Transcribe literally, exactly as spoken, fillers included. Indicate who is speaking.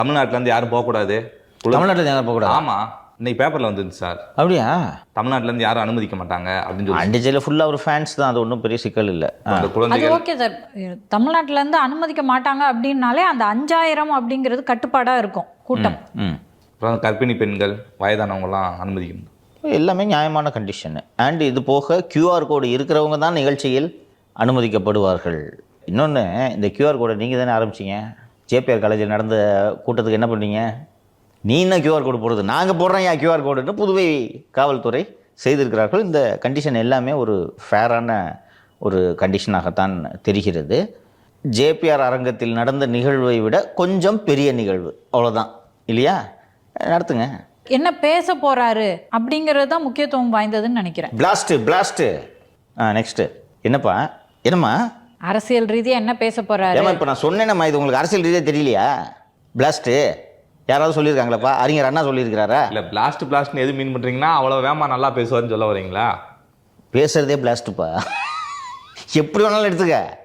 Speaker 1: தமிழ்நாட்டிலேருந்து யாரும் போகக்கூடாது.
Speaker 2: தமிழ்நாட்டில் யாரும் போகக்கூடாது.
Speaker 1: ஆமாம், இன்னைக்கு பேப்பரில் வந்துருந்து சார்.
Speaker 2: அப்படியா?
Speaker 1: தமிழ்நாட்டிலேருந்து யாரும் அனுமதிக்க மாட்டாங்க அப்படின்னு சொல்லி.
Speaker 2: அண்டிஜையில் ஃபுல்லாக ஒரு ஃபேன்ஸ் தான், அது ஒன்றும் பெரிய சிக்கல் இல்லை.
Speaker 1: அந்த
Speaker 3: அது
Speaker 1: குழந்தைகள்
Speaker 3: ஓகே சார். தமிழ்நாட்டிலேருந்து அனுமதிக்க மாட்டாங்க அப்படின்னாலே அந்த அஞ்சாயிரம் அப்படிங்கிறது கட்டுப்பாடாக இருக்கும் கூட்டம்.
Speaker 2: ம்
Speaker 1: அப்புறம் கர்ப்பிணி பெண்கள், வயதானவங்கலாம் அனுமதிக்கணும்.
Speaker 2: எல்லாமே நியாயமான கண்டிஷனு. அண்ட் இது போக கியூஆர் கோடு இருக்கிறவங்க தான் நிகழ்ச்சியில் அனுமதிக்கப்படுவார்கள். இன்னொன்று, இந்த கியூஆர் கோடை நீங்கள் தானே ஆரம்பிச்சிங்க. ஜேபிஆர் காலேஜில் நடந்த கூட்டத்துக்கு என்ன பண்ணீங்க? நீ என்ன கியூஆர் கோடு போடுறது, நாங்கள் போடுறோம் ஏன் கியூஆர் கோடுன்னு புதுவை காவல்துறை செய்திருக்கிறார்கள். இந்த கண்டிஷன் எல்லாமே ஒரு ஃபேரான ஒரு கண்டிஷனாகத்தான் தெரிகிறது. ஜேபிஆர் அரங்கத்தில் நடந்த நிகழ்வை விட கொஞ்சம் பெரிய நிகழ்வு, அவ்வளோதான் இல்லையா? நடத்துங்க.
Speaker 3: என்ன பேச போறாரு அப்படிங்கிறது தான் முக்கியத்துவம் வாய்ந்ததுன்னு நினைக்கிறேன்.
Speaker 2: பிளாஸ்ட்டு பிளாஸ்ட்டு ஆ நெக்ஸ்ட்டு என்னப்பா? என்னம்மா
Speaker 3: அரசியல் ரீதியா என்ன பேச போறாரு?
Speaker 2: ஏமா இப்போ நான் சொன்னேனம்மா, இது உங்களுக்கு அரசியல் ரீதியாக தெரியலையா? பிளாஸ்ட்டு யாராவது சொல்லியிருக்காங்களாப்பா? அறிஞர் அண்ணா சொல்லியிருக்கிறாரா?
Speaker 1: இல்லை, பிளாஸ்ட் பிளாஸ்ட்னு எது மீன் பண்ணுறீங்கன்னா அவ்வளோ வேமா நல்லா பேசுவார்னு சொல்ல வரீங்களா?
Speaker 2: பேசுகிறதே பிளாஸ்ட்டுப்பா, எப்படி வேணாலும் எடுத்துக்க.